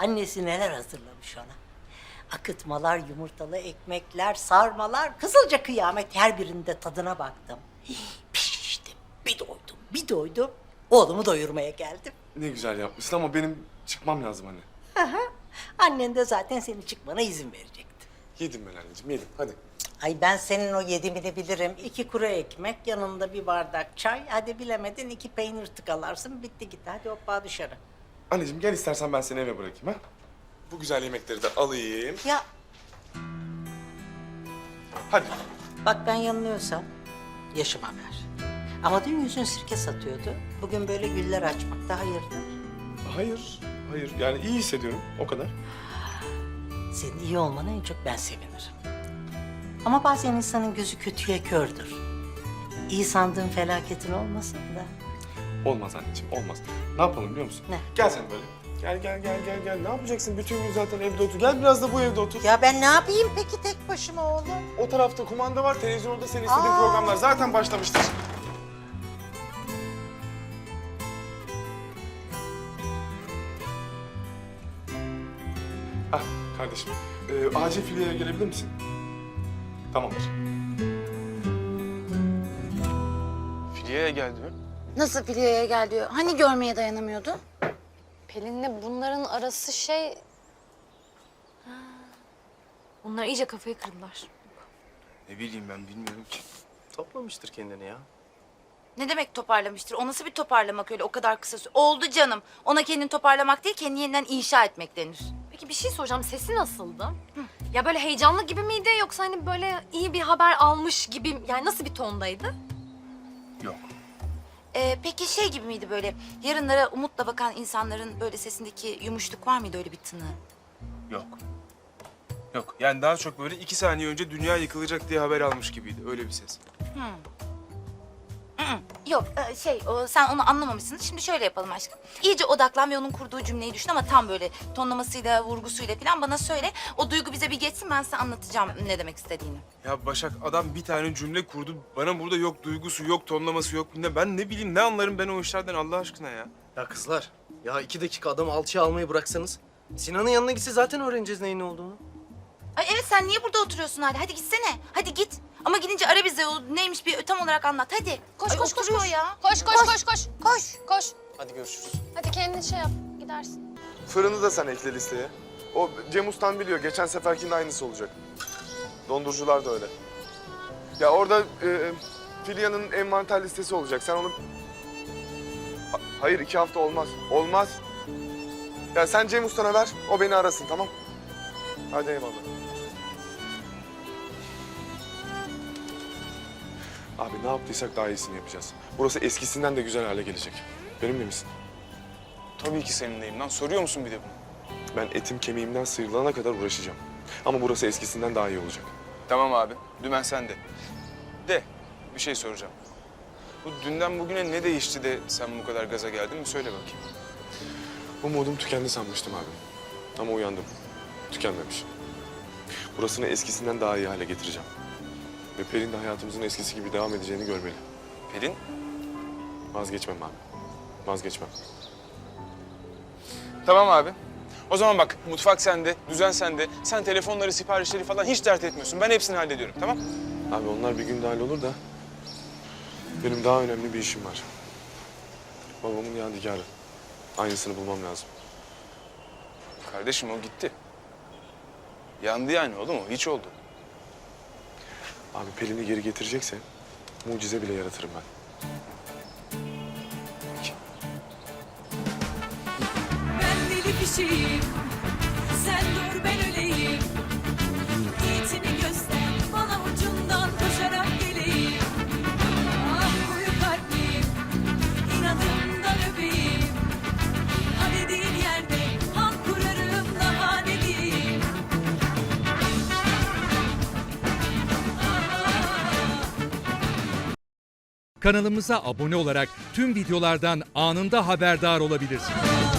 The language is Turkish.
annesi neler hazırlamış ona. Akıtmalar, yumurtalı ekmekler, sarmalar, kızılca kıyamet, her birinde tadına baktım. Piştim, bir doydum, bir doydum. Oğlumu doyurmaya geldim. Ne güzel yapmışsın ama benim çıkmam lazım anne. Aha, annen de zaten senin çıkmana izin verecekti. Yedim ben anneciğim, yedim. Hadi. Ay ben senin o yedimini bilirim. 2 kuru ekmek, yanında bir bardak çay. Hadi bilemedin 2 peynir tıkalarsın, bitti gitti. Hadi hoppa dışarı. Anneciğim gel istersen ben seni eve bırakayım ha. Bu güzel yemekleri de alayım. Ya Hadi. bak ben yanılıyorsam yaşıma ver. Ama dün yüzün sirke satıyordu. Bugün böyle güller açmakta hayırdır? Hayır, hayır. Yani iyi hissediyorum, o kadar. Senin iyi olmana en çok ben sevinirim. Ama bazen insanın gözü kötüye kördür. İyi sandığın felaketin olmasın da. Olmaz anneciğim, olmaz. Ne yapalım biliyor musun? Ne? Gel sen böyle. Gel. Ne yapacaksın? Bütün gün zaten evde otur. Gel biraz da bu evde otur. Ya ben ne yapayım peki tek başıma oğlum? O tarafta kumanda var, televizyonda senin istediğin Aa. programlar zaten başlamıştır. Ah kardeşim, acil filiyeye gelebilir misin? Tamamdır. Filiyeye gel diyor. Nasıl Filya'ya gel diyor. Hani görmeye dayanamıyordu? Pelin'le bunların arası şey... Ha. Bunlar iyice kafayı kırdılar. Ne bileyim ben bilmiyorum ki. Toplamıştır kendini ya. Ne demek toparlamıştır? O nasıl bir toparlamak öyle o kadar kısa süre? Oldu canım. Ona kendini toparlamak değil, kendini yeniden inşa etmek denir. Peki bir şey soracağım. Sesi nasıldı? Ya böyle heyecanlı gibi miydi yoksa hani böyle iyi bir haber almış gibi... Yani nasıl bir tondaydı? Yok. Peki şey gibi miydi böyle? Yarınlara umutla bakan insanların böyle sesindeki yumuşluk var mıydı öyle bir tını? Yok. Yok. Yani daha çok böyle 2 saniye önce dünya yıkılacak diye haber almış gibiydi. Öyle bir ses. Yok sen onu anlamamışsın. Şimdi şöyle yapalım aşkım. İyice odaklan ve onun kurduğu cümleyi düşün ama tam böyle tonlamasıyla, vurgusuyla falan bana söyle. O duygu bize bir geçsin, ben size anlatacağım ne demek istediğini. Ya Başak adam bir tane cümle kurdu. Bana burada yok duygusu, yok tonlaması, yok bilmem. Ben ne bileyim ne anlarım ben o işlerden Allah aşkına ya. Ya kızlar, ya 2 dakika adamı alçıya almayı bıraksanız. Sinan'ın yanına gitse zaten öğreneceğiz neyin ne olduğunu. Ay evet, sen niye burada oturuyorsun hala? Hadi gitsene. Hadi git. Ama gidince ara bize, o neymiş bir tam olarak anlat. Hadi. Koş, Ay, koş, koş, oturuyor koş. ya. Koş. Koş. Hadi görüşürüz. Hadi kendin şey yap. Gidersin. Fırını da sen ekle listeye. O Cem Ustan biliyor. Geçen seferkinin aynısı olacak. Dondurucular da öyle. Ya orada Filya'nın envanter listesi olacak. Sen onu... Hayır 2 hafta olmaz. Olmaz. Ya sen Cem Usta'na ver. O beni arasın tamam. Hadi eyvallah. Abi ne yaptıysak daha iyisini yapacağız. Burası eskisinden de güzel hale gelecek. Benimle misin? Tabii ki seninleyim lan. Soruyor musun bir de bunu? Ben etim kemiğimden sıyrılana kadar uğraşacağım. Ama burası eskisinden daha iyi olacak. Tamam abi. Dümen sende. De bir şey soracağım. Bu dünden bugüne ne değişti de sen bu kadar gaza geldin mi? Söyle bakayım. Umudum tükendi sanmıştım abi. Ama uyandım. Tükenmemiş. Burasını eskisinden daha iyi hale getireceğim. Ve Pelin de hayatımızın eskisi gibi devam edeceğini görmeli. Pelin? Vazgeçmem abi. Vazgeçmem. Tamam abi. O zaman bak mutfak sende, düzen sende. Sen telefonları, siparişleri falan hiç dert etmiyorsun. Ben hepsini hallediyorum tamam? Abi onlar bir günde hallolur da... benim daha önemli bir işim var. Babamın yadigarı. Aynısını bulmam lazım. Kardeşim o gitti. Yandı yani oğlum o. Hiç oldu. Abi Pelin'i geri getirecekse mucize bile yaratırım ben. Ben deli kişiyim, sen dur ben öleyim. Niyetini göster, bana ucundan koşarak geleyim. Ah koyu kalpliyim, inadımdan öpeyim. Ha dediğin yerde han kurarım, daha ne diyeyim. Kanalımıza abone olarak tüm videolardan anında haberdar olabilirsiniz.